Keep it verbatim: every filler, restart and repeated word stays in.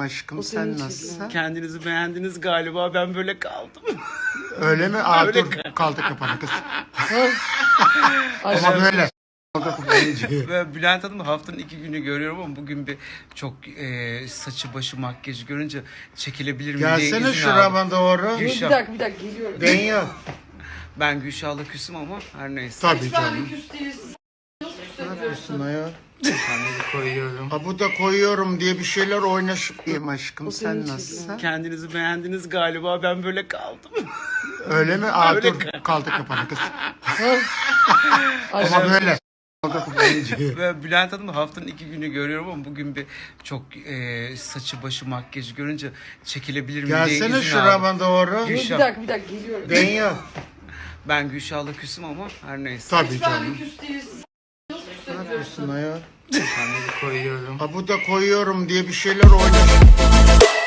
aşkım, sen nasılsın? Kendinizi beğendiniz galiba, ben böyle kaldım. Öyle mi? Aa, Öyle dur kaldı kafanı kız. Ay, Ama böyle. Kaldı kafanı. Ve Bülent Hanım'ı haftanın iki günü görüyorum ama bugün bir çok e, saçı başı makyajı görünce çekilebilir mi diye izin Gelsene aldım. şurama doğru. Dur, Gülşah. bir dakika bir dakika geliyorum. Ben yok. Ben Gülşah'la küsüm ama her neyse. Tabii Ben canım. de küs değilsin. Nasıl küs Ne ediyorsun? yapıyorsun ayol? Kendinizi koyuyorum. Ha bu da koyuyorum diye bir şeyler oynaşıp diyeyim aşkım, O senin sen için nasılsın? Kendinizi beğendiniz galiba, ben böyle kaldım. Öyle mi? Aa, Öyle dur kaldı kafanı kız. Ay, Ama böyle. Kaldı kafanı. Ve Bülent Hanım'ı haftanın iki günü görüyorum ama bugün bir çok e, saçı başı makyajı görünce çekilebilir mi diye izin Gelsene aldım. şurama doğru. Dur, bir Gülşah. dakika bir dakika geliyorum. Ben yok. Ben Gülşah'la küsüm ama her neyse. Tabii Ben de canım. küs değilsin. Nasıl küs Ne ediyorsun? yapıyorsun ayol? Kendinizi koyuyorum. Ha bu da koyuyorum diye bir şeyler oynaşıp